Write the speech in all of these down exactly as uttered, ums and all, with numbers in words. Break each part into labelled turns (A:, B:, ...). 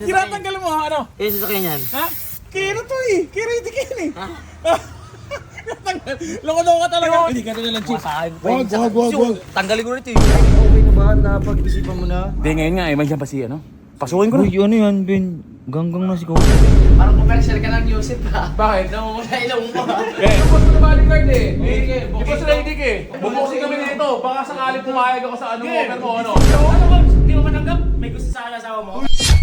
A: Tinatanggal mo ha, ano?
B: Eh, sasakyan yan.
A: Ha? Kira to eh. Kira hindi kira eh.
B: Ha?
A: Loko-loko ka talaga. Hindi ka na lang, Chief.
B: Wag,
A: wag, wag, wag.
B: Tanggalin ko na ito eh. Okay na ba? Napag-isipan mo na?
A: Hindi, ngayon nga eh. May siya pa si ano? Pasukin ko na.
C: Uy, ano yan, Ben? Ganggang na si Coach.
D: Parang commercial ka ng Yusip ha.
A: Bakit?
D: Namumula ilong mo.
A: Eh, bubos ko na bodyguard eh. Di ba sila hindi eh? Bubuksin kami nito. Baka sakaling pumayag ako sa ano mo, offer mo ano.
D: Ano ba? Hindi mo matanggap? May gusto sa asawa mo?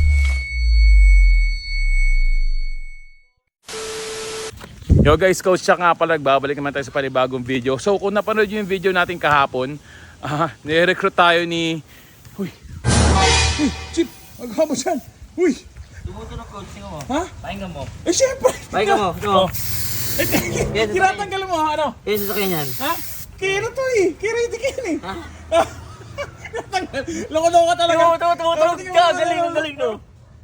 A: Yo guys, Coach Chuck nga pala, nagbabalik naman tayo sa panibagong video. So kung napanood nyo yung video natin kahapon, ah, nire-recruit tayo ni... Uy! Uy! Chip! Agawa mo dyan! Uy!
B: Tumutunog Coach, tingnan mo.
A: Ha?
B: Pakinggan mo.
A: Eh syempre!
B: Pakinggan mo, tingnan mo.
A: Eh, tinatanggal mo ha, ano?
B: Eh, sasakyan yan.
A: Ha? Kira to eh! Kira hindi kira eh!
B: Ha?
A: Loko-loko ka talaga!
B: Tingnan mo, tingnan mo, tingnan mo, tingnan mo. Galing, ang galing no.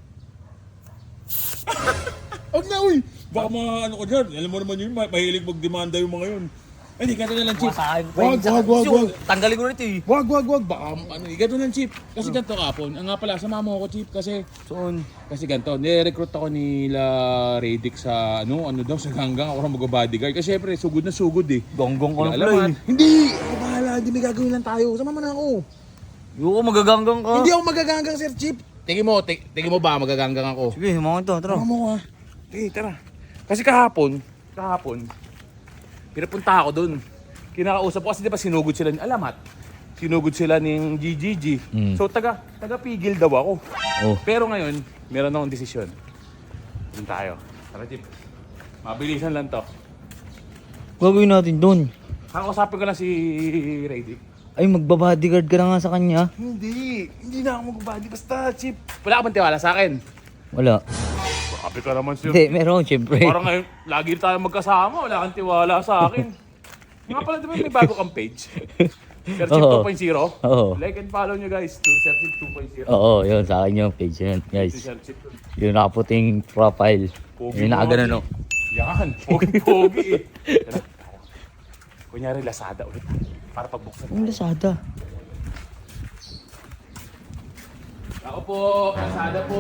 A: Huwag na uy! Baka mga ano ko dyan, alam mo naman yun, ma- mahilig magdemanda yung mga yun. Eh, di ganito na lang, Chief.
B: Masahin ko
A: Wag, wag, wag, wag.
B: Tanggalin ko na ito eh.
A: Wag, wag, wag. Baka ano, eh, ganito lang, Chief. Kasi ganito kapon. Ang nga pala, sama mo ako, Chief, kasi...
B: Soon.
A: Kasi ganito, nire-recruit ako nila Radic sa ano, ano daw, sa hanggang ako na mag-bodyguard. Kasi syempre, sugod na sugod eh.
B: Gonggong ko
A: Wala
B: na
A: alaman.
B: pala
A: Hindi! Ako bahala, hindi may gagawin lang tayo. Sama mo na ako.
B: eh. Yung magaganggang ka.
A: Hindi ako magaganggang, Sir Chief. Tingin mo, ti- tingin mo ba magaganggang ako?
B: Sige, mga ito, tara.
A: Tara mo ha. Sige, tara. Kasi kahapon, kahapon, pinapunta ako dun. Kinakausap ko kasi di ba sinugod sila ni Alamat. Sinugod sila ng G G G.
C: Mm.
A: So taga, taga-pigil daw ako.
C: Oh.
A: Pero ngayon, meron akong desisyon. Dun tayo. Tara, Chip. Mabilisan lang to.
C: Gagawin natin doon.
A: Kakausapin ko lang si Radic.
C: Ay, magbabodyguard ka na nga sa kanya.
A: Hindi. Hindi na ako mag-body. Basta, Chip. Wala ka bang tiwala sa akin?
C: Wala.
A: Sabi ka naman siya.
C: Hindi, meron, syempre.
A: Parang ngayon, lagi tayo magkasama. Wala kang tiwala sa akin. Nga pala, di ba may bago kang page? Sir Chip
C: Oo.
A: two point oh.
C: Oo.
A: Like and follow nyo guys. to Sir Chip two point oh.
C: Oo, yun, sa akin yung page yun,
A: Si
C: guys.
A: Sir Chip.
C: Yung nakaputing profile.
A: Pogi
C: Yung
A: mo,
C: nakaganon, no?
A: Yan. Pogi-pogi eh. Tara, tara. Kunyari, Lazada ulit. Para pagbuksan.
C: Ang Lazada.
A: Ako po. Lazada po.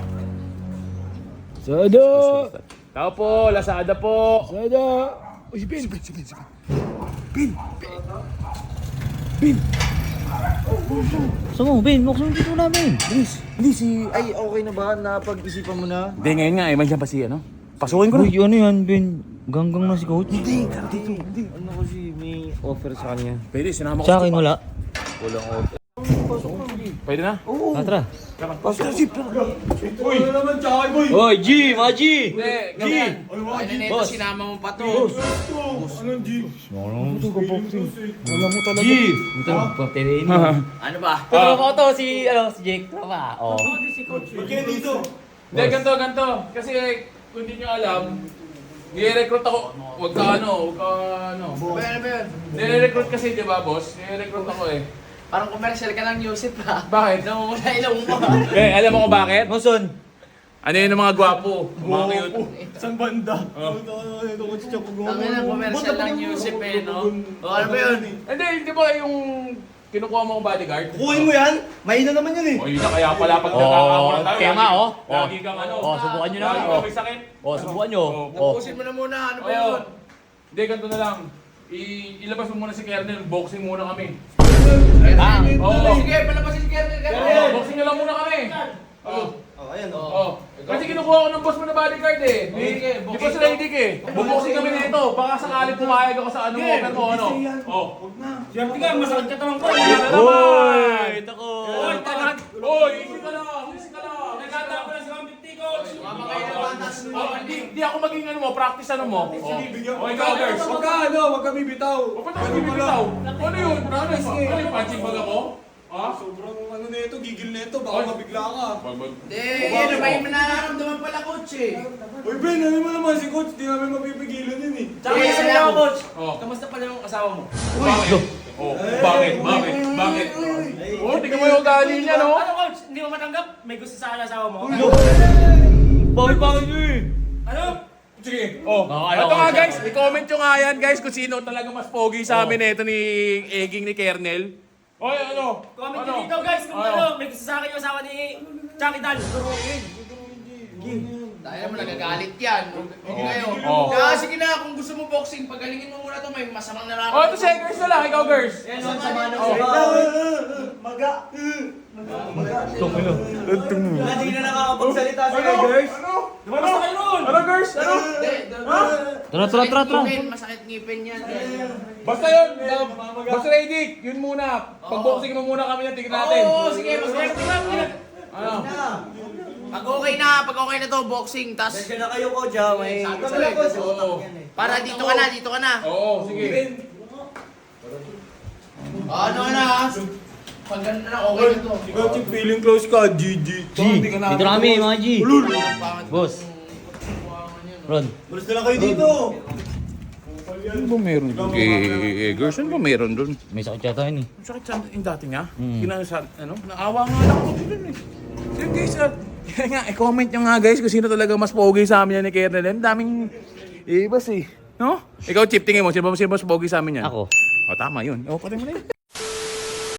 C: Lazada!
A: Tao po. Lazada po.
C: Lazada!
A: Uy, si Ben. Si Ben, si Ben, si Ben. Ben. Ben.
C: Gusto mo, Ben, buksan mo dito namin.
A: Please. Hindi si...
B: Ay, okay na ba? Napag-isipan mo na?
A: Hindi, ngayon nga eh. May siya pa si ano. Pasukin ko na.
C: Uy, ano yan, Ben? Ganggang na si Coach.
A: Hindi, tara dito.
B: Hindi. Ano kasi may offer sa kanya?
A: Pwede, sinama ko
C: Sa akin, wala.
B: Walang offer.
A: Pwede na?
C: Ah, tara.
A: Pasok na, Chip. Uy!
C: Oy, G! Mga G!
A: Hindi, G!
D: Ano na ito, sinama mo pa to.
A: Wala mo talaga.
C: G! Ito, papirain mo.
D: Ano ba?
C: Pero ako to, si, ano, si Jake. Tama, oh.
A: Hindi, ganito, ganito. Kasi kung hindi nyo alam, nire-recruit ako. Huwag ka ano, huwag ka ano.
D: Ba yan, ba yan?
A: Nire-recruit kasi, di ba boss? Nire-recruit ako eh.
D: Parang commercial ka ng Yusip ha.
A: Bakit?
D: Namumula ilong mo.
A: Eh, alam mo kung bakit?
C: Mason!
A: Ano yun ng mga gwapo? Mga cute.
D: Ang ina commercial ng Yusip eh, no? O ano ba yun?
A: Hindi, di ba yung kinukuha mo kong bodyguard?
E: Kuhin mo yan? Mahina naman yan eh.
A: O yun na kaya pala pag
C: Oo,
A: nakakakuha na tayo.
C: kaya nga,
A: lagi-
C: oh.
A: Lagi kang ano.
C: Oh, subukan nyo na,
A: Lagi
C: oh.
A: kang may sakit.
C: Oh, subukan nyo.
A: Oh.
C: Oh.
D: Tapusin mo na muna, ano ba
A: Oo.
D: yun?
A: Hindi, ganito na lang. I ilabas mo muna si Kernel. Boxing muna kami.
C: Ah,
A: Oo.
D: Sige, palabasin si Kernel,
A: Oo,
D: Kernel.
A: boxing nyo lang muna kami. Oo.
E: Oh, ayan oh.
A: Oo. Kasi kinukuha ko ng boss mo na bodyguard eh.
D: Sige,
A: Di ba sila hindi eh? Buboxing kami nito. Baka sakaling pumayag ako sa ano mo, offer mo ano. Oo.
E: Siyempre ka, masakit ka tamang ko.
A: Yan na naman!
C: Ito ko!
A: Oy, tangan! Oy, easy ka lang! Easy ka lang!
E: Nagkatapon na si one fifty, coach.
D: Mama kayo ng batas mo.
A: Oh, hindi, hindi ako maging ano mo, practice ano mo. Oh, oh ikaw, girls.
E: Huwag ka, ano, huwag ka bibitaw.
A: O, ba't ako bibitaw? Ano yun? Ano yun? Ano yung punching bag ako? Ha?
E: Sobrang ano na ito, gigil na ito, baka mabigla ka.
D: Hindi, ano ba yung nararamdaman pala, coach eh.
E: Uy Ben, ano mo naman si coach, di namin mapipigilan yun eh.
D: Tsaka may isa ako, coach.
A: Oh.
D: Kamusta pala yung asawa mo?
A: Bakit? Oh, bakit? Bakit? Bakit? Oh, tingnan mo yung ugali niya, no?
D: Ano, coach? Hindi mo matanggap? May gusto sa asawa mo?
C: Bakit-bakit nyo eh?
D: Ano?
A: Sige. Oh,
C: Nakakala
A: ito
C: ko
A: nga
C: siya.
A: guys, i-comment nyo nga yan guys kung sino talaga mas pogi sa amin ito ni Eging ni Kernel. Oy, ano?
F: Comment
A: Ano?
F: nyo dito guys kung
A: Ano?
F: ano, may gusto sa akin yung asawa ni Chucky Dan.
D: Dahil naman nagagalit yan. Hindi kayo.
A: Oo.
D: Kaya sige na, kung gusto mo boxing, pagalingin mo muna to, may masamang nararamdaman.
A: Oh, ito siya, girls na lang. Ikaw, girls.
B: Yan ang sama ng
A: Oh.
B: salita. Maga. Hindi na nakakapagsalita si girls.
A: Ano? Basta kayo ron. Ano, girls? Ano?
D: Hindi,
C: Tara, tara, tara, tara.
D: Masakit ngipin, masakit ngipin yan.
A: Basta yun. uh, Basta ready. Yun muna. Pag-boxing mo muna kami yan. Tingnan natin.
D: Oo, sige, masakit.
A: Ano?
D: Pag okay na, pag okay na to, boxing, tas
B: Diyan na kayo, coach, ha? May
D: Sabi ko,
B: kasi utak yan, eh.
D: para dito ka na, dito ka na.
A: Oo, sige.
D: Ano na, pag ganun na, okay na to.
E: Ikaw, Chip, feeling close ka. G G.
C: G, dito na kami mga G. Boss. Ron.
B: Gusto na kayo dito.
A: Ano ba meron doon? Eh, girls, ano ba meron doon?
C: May sakit yata yun eh.
A: Sakit sa yung dati niya.
C: Mm.
A: Ginano sa, ano, naawa nga lang ako doon eh. So guys, ah, kaya nga, i-comment nyo nga guys kung sino talaga mas pogi sa amin yan ni Kernel. Ang daming ibas eh. No? Ikaw, Chip, tingin mo, sino ba sino mas pogi sa amin yan?
C: Ako.
A: O, tama yun. O, pati mo na yun.